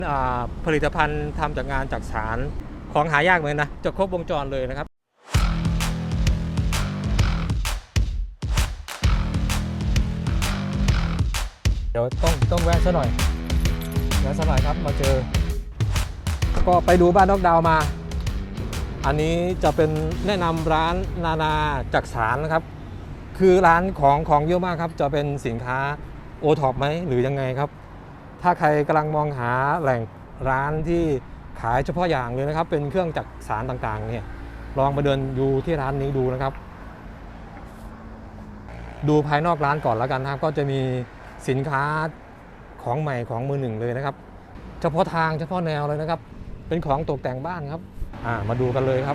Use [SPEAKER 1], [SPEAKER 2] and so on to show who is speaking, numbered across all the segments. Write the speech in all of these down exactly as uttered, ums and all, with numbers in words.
[SPEAKER 1] อ่าผลิตภัณฑ์ทำจากงานจักสานของหายากเลยนะจะครบวงจรเลยนะครับเดี๋ยวต้องต้องแวะซะหน่อยแวะซะหน่อยครับมาเจอก็ไปดูบ้านนอกดาวมาอันนี้จะเป็นแนะนำร้านนานาจักสานนะครับคือร้านของของเยอะมากครับจะเป็นสินค้าโอท็อปไหมหรือยังไงครับถ้าใครกำลังมองหาแหล่งร้านที่ขายเฉพาะอย่างเลยนะครับเป็นเครื่องจักสานต่างๆเนี่ยลองมาเดินดูที่ร้านนี้ดูนะครับดูภายนอกร้านก่อนแล้วกันนะครับก็จะมีสินค้าของใหม่ของมือหนึ่งเลยนะครับเฉพาะทางเฉพาะแนวเลยนะครับเป็นของตกแต่งบ้านครับอ่ามาดูกันเลยครับ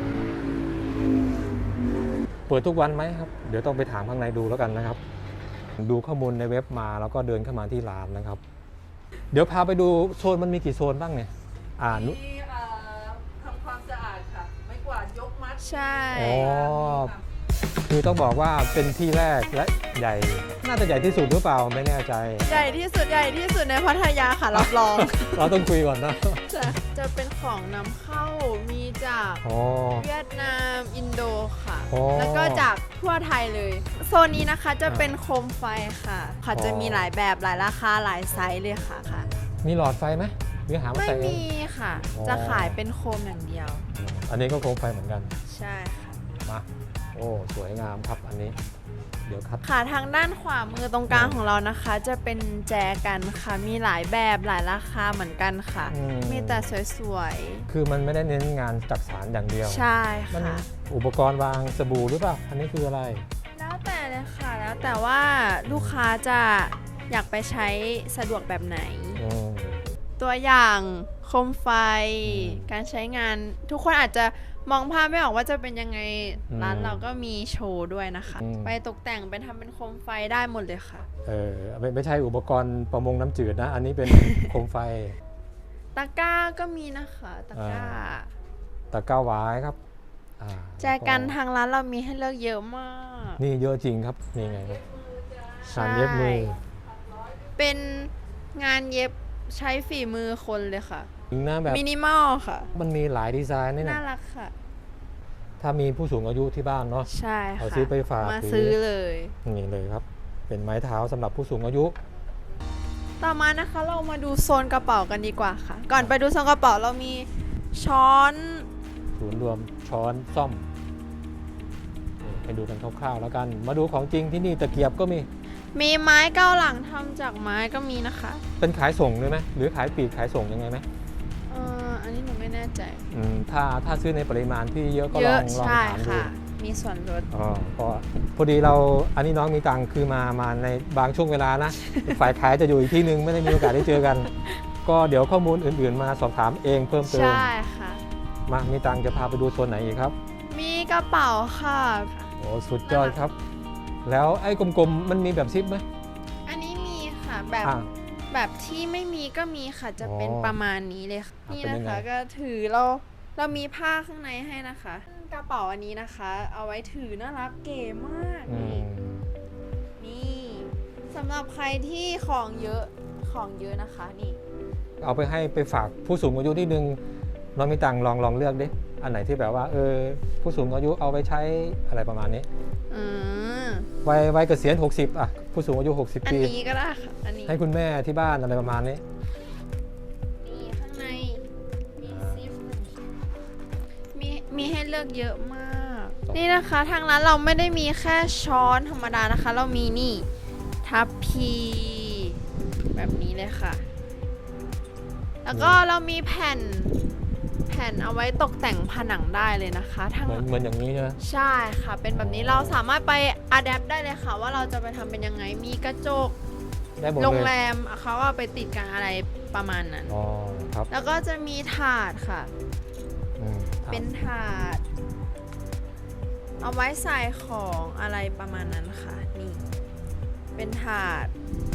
[SPEAKER 1] เปิดทุกวันไหมครับเดี๋ยวต้องไปถามข้างในดูแล้วกันนะครับดูข้อมูลในเว็บมาแล้วก็เดินเข้ามาที่ร้านนะครับเดี๋ยวพาไปดูโซนมันมีกี่โซนบ้างเนี่ยอ่านุ
[SPEAKER 2] มีทำความสะอาดค่ะไม่กวาดยกมัด
[SPEAKER 3] ใช่
[SPEAKER 1] อ๋อคือต้องบอกว่าเป็นที่แรกและใหญ่น่าจะใหญ่ที่สุดหรือเปล่าไม่แน่ใจ
[SPEAKER 3] ใหญ่ที่สุดใหญ่ที่สุดในพัทยาค่ะรับรอง
[SPEAKER 1] เราต้องคุยก่อนนะ
[SPEAKER 3] จะจะเป็นของนำเข้ามีจากเวียดนามอินโดค่ะแล้วก็จากทั่วไทยเลยโซนนี้นะคะจะเป็นโคมไฟค่ะค่ะจะมีหลายแบบหลายราคาหลายไซส์เลยค่ะค่ะ
[SPEAKER 1] มีหลอดไฟไหมหรือหามา
[SPEAKER 3] ไม่
[SPEAKER 1] ใส่
[SPEAKER 3] มีค่ะจะขายเป็นโคมอย่างเดียว
[SPEAKER 1] อันนี้ก็โคมไฟเหมือนกัน
[SPEAKER 3] ใช่ค่ะ
[SPEAKER 1] มาโอ้สวยงามครับอันนี้เดี๋ยวครับ
[SPEAKER 3] ค่ะทางด้านขวามือตรงกลางของเรานะคะจะเป็นแจกันค่ะมีหลายแบบหลายราคาเหมือนกันค่ะมีแต่สวย
[SPEAKER 1] ๆคือมันไม่ได้เน้นงานจักสานอย่างเดียว
[SPEAKER 3] ใช่ค่ะ
[SPEAKER 1] อุปกรณ์วางสบู่หรือเปล่าอันนี้คืออะไร
[SPEAKER 3] แล้วแต่เลยค่ะแล้วแต่ว่าลูกค้าจะอยากไปใช้สะดวกแบบไหนตัวอย่างโคมไฟการใช้งานทุกคนอาจจะมองภาพไม่ออกว่าจะเป็นยังไงร้านเราก็มีโชว์ด้วยนะคะไปตกแต่งเป็นทำเป็นโคมไฟได้หมดเลยค่ะ
[SPEAKER 1] เออไม่ไม่ใช่อุปกรณ์ประมงน้ำจืดนะอันนี้เป็น โคมไฟ
[SPEAKER 3] ตะกร้าก็มีนะคะตะกร้า
[SPEAKER 1] ตะกร้าหวายครับ
[SPEAKER 3] แจกันทางร้านเรามีให้เลือกเยอะมาก
[SPEAKER 1] นี่เยอะจริงครับนี่ไงครับงานเย็บมือ
[SPEAKER 3] เป็นงานเย็บใช้ฝีมือคนเลยค่ะ
[SPEAKER 1] แบบ
[SPEAKER 3] มินิมอลค่ะ
[SPEAKER 1] มันมีหลายดีไซน์นี่นะ
[SPEAKER 3] น่ารักค่ะ
[SPEAKER 1] ถ้ามีผู้สูงอายุที่บ้านเนาะ
[SPEAKER 3] ใช่ค่ะ
[SPEAKER 1] เอาซื้อไปฝาก
[SPEAKER 3] มาซื้อเลย
[SPEAKER 1] นี่เลยครับเป็นไม้เท้าสำหรับผู้สูงอายุ
[SPEAKER 3] ต่อมานะคะเรามาดูโซนกระเป๋ากันดีกว่าค่ะก่อนไปดูโซนกระเป๋าเรามีช้อน
[SPEAKER 1] ศูนย์รวมช้อนซ่อมไปดูกันคร่าวๆแล้วกันมาดูของจริงที่นี่ตะเกียบก็มี
[SPEAKER 3] มีไม้เก้าหลังทำจากไม้ก็มีนะคะ
[SPEAKER 1] เป็นขายส่งเลยไหมหรือขายปลีกขายส่งยังไงไหม
[SPEAKER 3] เอออันนี้หนูไม่แน่ใจ
[SPEAKER 1] อืมถ้าถ้าซื้อในปริมาณที่เยอะก็ลองลองถามดู
[SPEAKER 3] มีส่วนลด
[SPEAKER 1] อ๋อก็พอดีเราอันนี้น้องมีตังค์คือมามาในบางช่วงเวลานะ ฝ่ายขายจะอยู่อีกที่นึงไม่ได้มีโอกาสได้เจอกัน ก็เดี๋ยวข้อมูลอื่นๆมาสอบถามเองเพิ่มเติม
[SPEAKER 3] ใช่ค่ะ
[SPEAKER 1] มามีตังค์จะพาไปดูโซนไหนอีกครับ
[SPEAKER 3] มีกระเป๋าค่ะ
[SPEAKER 1] โอ้สุดยอดครับแล้วไอ้กลมๆมันมีแบบซิปไหม
[SPEAKER 3] อันนี้มีค่ะแบบแบบที่ไม่มีก็มีค่ะจะเป็นประมาณนี้เลยค่ะนี่นะคะก็ถือเราเรามีผ้าข้างในให้นะคะกระเป๋าอันนี้นะคะเอาไว้ถือน่ารักเก๋มากนี่นี่สำหรับใครที่ของเยอะของเยอะนะคะนี่
[SPEAKER 1] เอาไปให้ไปฝากผู้สูงอายุที่นึงน้องมีตังค์ลองลองเลือกดิอันไหนที่แบบว่าเออผู้สูงอายุเอาไปใช้อะไรประมาณนี้วัยวัยเกษียณหกสิบอ่ะผู้สูงอายุหกสิบปี
[SPEAKER 3] อันนี้ก็ได้ค่ะอันนี้
[SPEAKER 1] ให้คุณแม่ที่บ้านอะไรประมาณนี้
[SPEAKER 3] นี่ข้างในมีซิปมีมีให้เลือกเยอะมากนี่นะคะทางร้านเราไม่ได้มีแค่ช้อนธรรมดานะคะเรามีนี่ทัพพีแบบนี้เลยค่ะแล้วก็เรามีแผ่นแผ่นเอาไว้ตกแต่งผนังได้เลยนะคะทั้ง
[SPEAKER 1] เหมือนอย่างนี้ใช่ไหม
[SPEAKER 3] ใช่ค่ะเป็นแบบนี้เราสามารถไปอัดแอปได้เลยค่ะว่าเราจะไปทำเป็นยังไงมีกระจกโรงแรมเขาเอาไปติดกันอะไรประมาณนั้น
[SPEAKER 1] อ๋อครับ
[SPEAKER 3] แล้วก็จะมีถาดค่ะเป็นถาดเอาไว้ใส่ของอะไรประมาณนั้นค่ะนี่เป็นถาด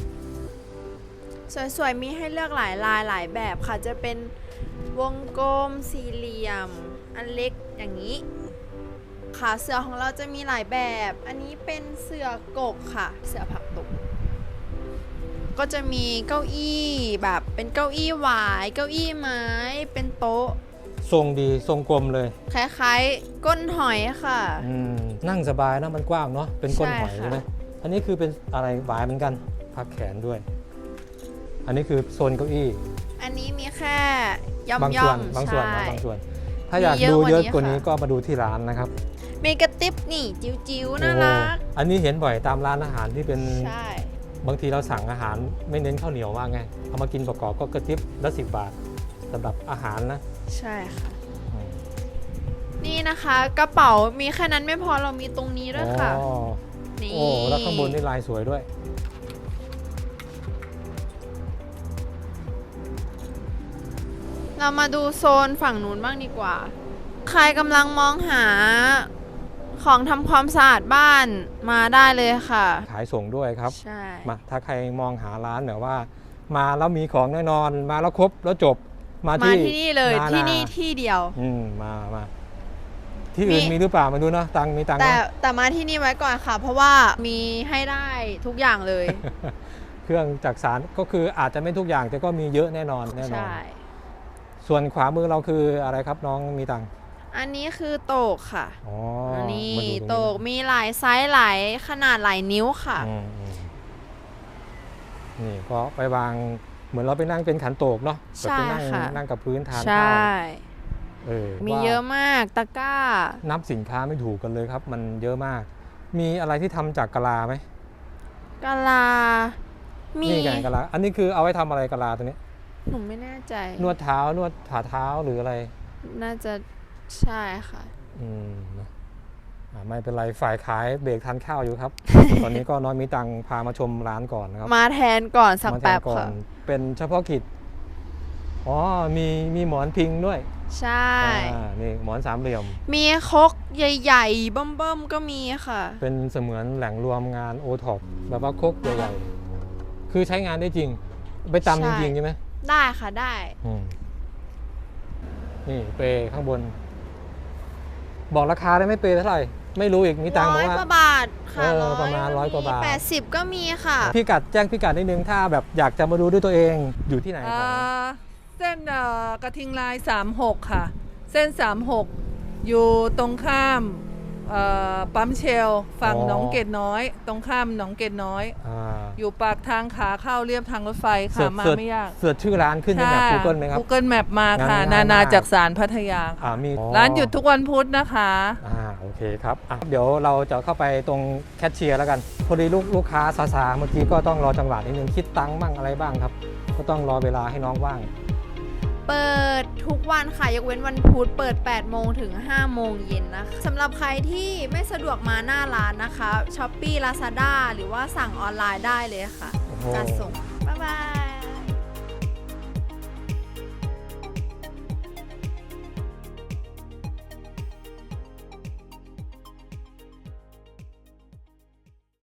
[SPEAKER 3] สวยๆมีให้เลือกหลายลายหลายแบบค่ะจะเป็นวงกลมสี่เหลี่ยมอันเล็กอย่างนี้ขาเสือของเราจะมีหลายแบบอันนี้เป็นเสือกกค่ะเสือผักตบก็จะมีเก้าอี้แบบเป็นเก้าอี้หวายเก้าอี้ไม้เป็นโต๊ะ
[SPEAKER 1] ทรงดีทรงกลมเลย
[SPEAKER 3] คล้ายๆก้นหอยค่ะ
[SPEAKER 1] อืมนั่งสบายนะมันกว้างเนาะเป็นก้นหอย
[SPEAKER 3] ใช่ค่ะ
[SPEAKER 1] ใช่ไหมอันนี้คือเป็นอะไรหวายเหมือนกันพักแขนด้วย อันนี้คือโซนเก้าอี้
[SPEAKER 3] อันนี้มีแค่ย่อม
[SPEAKER 1] บาง
[SPEAKER 3] ย่
[SPEAKER 1] ส่
[SPEAKER 3] อ
[SPEAKER 1] วน
[SPEAKER 3] ม
[SPEAKER 1] บางส่วน
[SPEAKER 3] ใช่
[SPEAKER 1] นะบางส่วน ถ้าอยาก
[SPEAKER 3] มีเยอะ
[SPEAKER 1] ดูเยอะ
[SPEAKER 3] ก
[SPEAKER 1] ก
[SPEAKER 3] ว่า
[SPEAKER 1] ว่า
[SPEAKER 3] นี้
[SPEAKER 1] นี้
[SPEAKER 3] ค่ะ
[SPEAKER 1] ก็มาดูที่ร้านนะครับ
[SPEAKER 3] มีกระติบนี่จิ๋วๆน่ารัก
[SPEAKER 1] โอ้อันนี้เห็นบ่อยตามร้านอาหารที่เป็น
[SPEAKER 3] ใช่
[SPEAKER 1] บางทีเราสั่งอาหารไม่เน้นข้าวเหนียวมากไงเอามากินประกอบก็กระติบละสิบบาทสำหรับอาหารนะ
[SPEAKER 3] ใช่ค่ะ
[SPEAKER 1] อืม
[SPEAKER 3] นี่นะคะกระเป๋ามีแค่นั้นไม่พอเรามีตรงนี้ด้วยค่ะ
[SPEAKER 1] อ๋อ
[SPEAKER 3] นี่
[SPEAKER 1] โอ้แล้วข้างบนนี่ลายสวยด้วย
[SPEAKER 3] เรามาดูโซนฝั่งนู้นบ้างดีกว่า ใครกำลังมองหาของทำความสะอาดบ้านมาได้เลยค่ะ
[SPEAKER 1] ขายส่งด้วยครับ
[SPEAKER 3] ใช่
[SPEAKER 1] มาถ้าใครมองหาร้านแบบว่า มาแล้วมีของแน่นอนมาแล้วครบแล้วจบมา
[SPEAKER 3] มา
[SPEAKER 1] ที่
[SPEAKER 3] ที่นี่เลย
[SPEAKER 1] นา
[SPEAKER 3] ที่
[SPEAKER 1] นา
[SPEAKER 3] นี่ที่เดียว
[SPEAKER 1] อืมมามาที่อื่น
[SPEAKER 3] มี
[SPEAKER 1] มีหรือเปล่ามาดูเนาะตังค์มีตังค์
[SPEAKER 3] แต่
[SPEAKER 1] เนอะ
[SPEAKER 3] แต่มาที่นี่ไว้ก่อนค่ะ เพราะว่ามีให้ได้ทุกอย่างเลย
[SPEAKER 1] เครื่องจักสานก็คืออาจจะไม่ทุกอย่างแต่ก็มีเยอะแน่นอนแน่นอน
[SPEAKER 3] ใช่
[SPEAKER 1] ส่วนขวามือเราคืออะไรครับน้องมีตังค์
[SPEAKER 3] อันนี้คือโตกค่ะ
[SPEAKER 1] อ๋อ
[SPEAKER 3] อันนี้
[SPEAKER 1] มาดู
[SPEAKER 3] โต
[SPEAKER 1] รง
[SPEAKER 3] กมีหลายไซส์หลายขนาดหลายนิ้วค่ะ
[SPEAKER 1] อืมอืมนี่ก็ไปวางเหมือนเราไปนั่งเป็นขันโตกเนาะแบบไปนั่ง
[SPEAKER 3] ใช่ค่ะ
[SPEAKER 1] นั่งกับพื้นทาน
[SPEAKER 3] ใช
[SPEAKER 1] ข้าว่ เออ
[SPEAKER 3] มี
[SPEAKER 1] ว่า
[SPEAKER 3] เยอะมากตะกร้า
[SPEAKER 1] นับสินค้าไม่ถูกกันเลยครับ มันเยอะมาก มีอะไรที่ทำจากกะลาไหม
[SPEAKER 3] กะลา มี
[SPEAKER 1] นี่ไงกะลา อันนี้คือเอาไว้ทำอะไรกะลาตัวนี้
[SPEAKER 3] หนูไม่แน่ใจ
[SPEAKER 1] นวดเท้านวดฝ่าเท้าหรืออะไร
[SPEAKER 3] น่าจะใช่ค่ะ
[SPEAKER 1] อืมนะอ่าไม่เป็นไรฝ่ายขายเบรกทานข้าวอยู่ ครับ ตอนนี้ก็น้อยมีตังค์พามาชมร้านก่อนนะครับ
[SPEAKER 3] มาแทนก่อนสัก
[SPEAKER 1] มาทาน
[SPEAKER 3] แป๊บ
[SPEAKER 1] ก่อ
[SPEAKER 3] ค่ะ
[SPEAKER 1] นเป็นเฉพาะกิจอ๋อมีมีหมอนพิงด้วย
[SPEAKER 3] ใช่
[SPEAKER 1] อ่านี่หมอนสามเหลี่ยม
[SPEAKER 3] มีครกใหญ่ๆเบิ่มๆก็มีค่ะ
[SPEAKER 1] เป็นเสมือนแหล่งรวมงานโอท็อปแบบว่าครกใหญ่ๆคือใช้งานได้จริง ไปตำจริงๆใช่ไหม
[SPEAKER 3] ได้ค่ะได้
[SPEAKER 1] อืมนี่เปรย์ข้างบน บอกราคาได้ไหมเปรย์เท่าไหร่ ไม่รู้อีกมีตังค์บอ
[SPEAKER 3] ร้
[SPEAKER 1] ก
[SPEAKER 3] อย
[SPEAKER 1] ว่าก
[SPEAKER 3] ว่าบาทค่ะ
[SPEAKER 1] เออประมาณร้อยกว่าบาท
[SPEAKER 3] แปดสิบก็มีค่ะ
[SPEAKER 1] พี่กัดแจ้งพี่กัดนิดนึงถ้าแบบอยากจะมาดูด้วยตัวเองอยู่ที่ไหนข
[SPEAKER 2] อ่
[SPEAKER 1] อง
[SPEAKER 2] าเส้นเอ่อกระทิงลายสามหกค่ะ เส้นสามหกอยู่ตรงข้ามเอ่อปั๊มเชลฝั่งหนองเกตน้อย ตรงข้ามหนองเกตน้อย
[SPEAKER 1] อ่า
[SPEAKER 2] อยู่ปากทางขาเข้าเรียบทางรถไฟ
[SPEAKER 1] เสิ
[SPEAKER 2] ค่ะ
[SPEAKER 1] ร์ช
[SPEAKER 2] มา
[SPEAKER 1] เสิร์ช
[SPEAKER 2] ไม่ยาก
[SPEAKER 1] เสิร์ชชื่อร้านขึ้นในแบบ Google ไหมครับ
[SPEAKER 2] Google Map มาค่ะ
[SPEAKER 1] งั้
[SPEAKER 2] นาน นา
[SPEAKER 1] ง่ายมาก
[SPEAKER 2] จากสารพัทยา
[SPEAKER 1] อ่ามี
[SPEAKER 2] ร้านหยุดทุกวันพุธนะคะ
[SPEAKER 1] อ่าโอเคครับอ่ะเดี๋ยวเราจะเข้าไปตรงแคชเชียร์แล้วกัน พอดีลูกลูกค้าซาซาเมื่อกี้ก็ต้องรอจังหวะนิดนึงคิดตังค์บ้างอะไรบ้างครับ ก็ต้องรอเวลาให้น้องว่าง
[SPEAKER 3] เปิดทุกวันค่ะ ยกเว้นวันพุธเปิดแปดโมงถึงห้าโมงเย็นนะคะสำหรับใครที่ไม่สะดวกมาหน้าร้านนะคะ Shopee Lazada หรือว่าสั่งออนไลน์ได้เลยค่ะ
[SPEAKER 1] โอ้โห
[SPEAKER 3] การส่ง